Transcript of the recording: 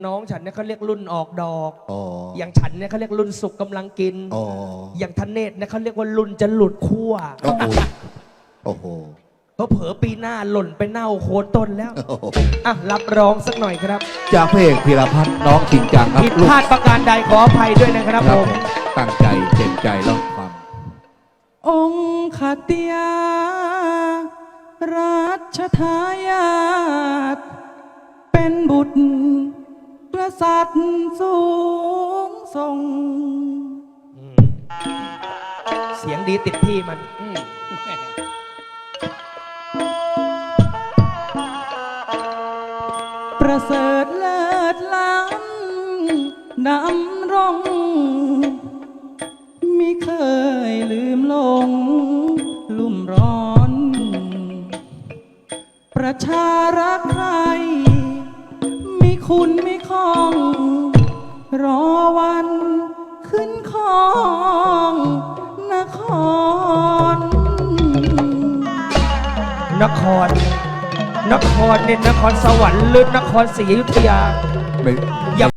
น้องฉันเนี่ยเขาเรียกรุ่นออกดอกอย่างฉันเนี่ยเขาเรียกรุ่นสุกกำลังกิน อย่างทเนศเนี่ยเขาเรียกว่ารุ่นจะหลุดขั้วโอ้โหเผลอปีหน้าหล่นไปเน่าโคนต้นแล้วอ่ะรับรองสักหน่อยครับจากพระเอกพีรพัฒน์น้องจริงจังครับผิดพลาดประการใดขออภัยด้วยนะครับผมตั้งใจเต็มใจแล้วฟังองค์ขเตียรัชทายาทเป็นบุตรกษัตริย์สูงส่งเสียงดีติดที่มันประเสริฐเลิศล้ำดำรงมิเคยลืมลงลุ่มร้อน ประชารักใครมีคุณไม่คล่อง รอวันขึ้นของนครนครเนี่ยนครสวรรค์หรือนครศรีอยุธยาไม่